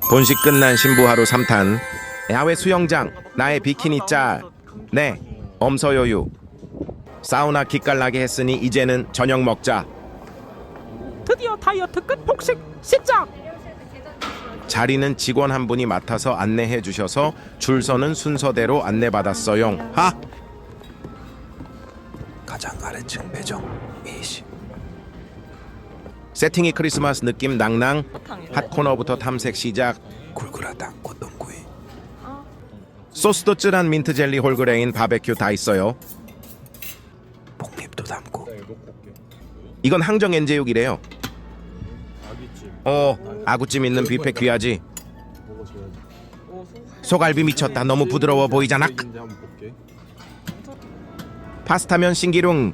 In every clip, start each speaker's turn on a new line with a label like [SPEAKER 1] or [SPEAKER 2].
[SPEAKER 1] 본식 끝난 신부 하루 3탄. 야외 수영장, 나의 비키니 짤. 네, 엄서요유. 사우나 기깔나게 했으니 이제는 저녁 먹자.
[SPEAKER 2] 드디어 다이어트 끝 폭식 시작!
[SPEAKER 1] 자리는 직원 한 분이 맡아서 안내해 주셔서 줄 서는 순서대로 안내받았어요. 하!
[SPEAKER 3] 가장 아래층 배정 20.
[SPEAKER 1] 세팅이 크리스마스 느낌 낭낭. 핫코너부터 탐색 시작.
[SPEAKER 3] 굴그라탕 꽃동구이.
[SPEAKER 1] 소스도 찔한 민트 젤리 홀그레인 바베큐 다 있어요.
[SPEAKER 3] 폭립도 담고.
[SPEAKER 1] 이건 항정 엔제육이래요. 아구찜 있는 뷔페 귀하지. 소갈비 미쳤다. 너무 부드러워 보이잖아. 파스타면 신기룽.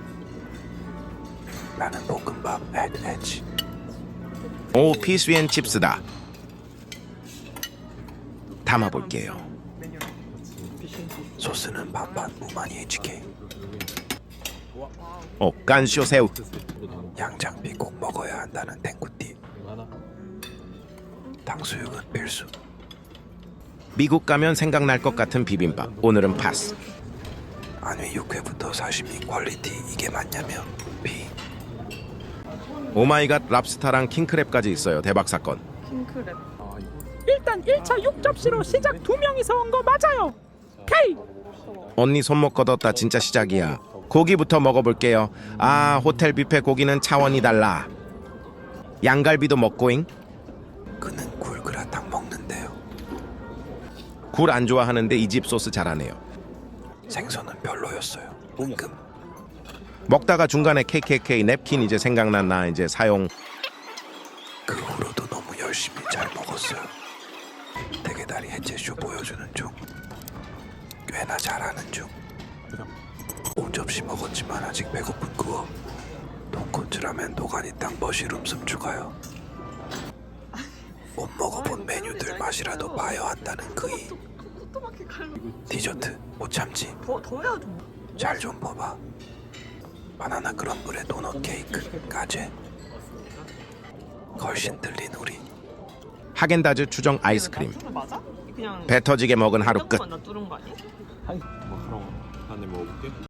[SPEAKER 3] 나는 볶음밥 엣.
[SPEAKER 1] 오, 피스앤 칩스다. 담아볼게요.
[SPEAKER 3] 소스는 반반 무마니 HK.
[SPEAKER 1] 깐쇼 새우.
[SPEAKER 3] 양장피 꼭 먹어야 한다는 탱구띠. 탕수육은 필수.
[SPEAKER 1] 미국 가면 생각날 것 같은 비빔밥. 오늘은 파스.
[SPEAKER 3] 안위 육회부터 사시미 퀄리티 이게 맞냐며 B.
[SPEAKER 1] 오마이갓 랍스타랑 킹크랩까지 있어요. 대박 사건.
[SPEAKER 2] 일단 1차 6접시로 시작 2명이서 온 거 맞아요. K!
[SPEAKER 1] 언니 손목 걷었다. 진짜 시작이야. 고기부터 먹어볼게요. 호텔 뷔페 고기는 차원이 달라. 양갈비도 먹고잉.
[SPEAKER 3] 그는 굴그라탕 먹는데요.
[SPEAKER 1] 굴 안 좋아하는데 이 집 소스 잘하네요.
[SPEAKER 3] 생선은 별로였어요. 은금.
[SPEAKER 1] 먹다가 중간에 KKK 냅킨 이제 생각난 나 이제 사용.
[SPEAKER 3] 그 후로도 너무 열심히 잘 먹었어요. 대게다리 해체쇼 보여주는 중. 꽤나 잘하는 중. 5접시 먹었지만 아직 배고픈 그어. 돈코츠라면 도가니탕 머시룸 습 추가요. 못 먹어본 메뉴들 맛이라도 봐야 한다는 그이. 디저트 못 참지. 잘 좀 봐봐. 바나나 크럼블에 도넛 케이크 까제. 걸신 들린 우리.
[SPEAKER 1] 하겐다즈 추정 아이스크림.
[SPEAKER 4] 맞아? 그냥
[SPEAKER 1] 배 터지게 먹은 하루 끝.
[SPEAKER 4] 나 뚫은 거 아니야?
[SPEAKER 5] 안에 먹어볼게.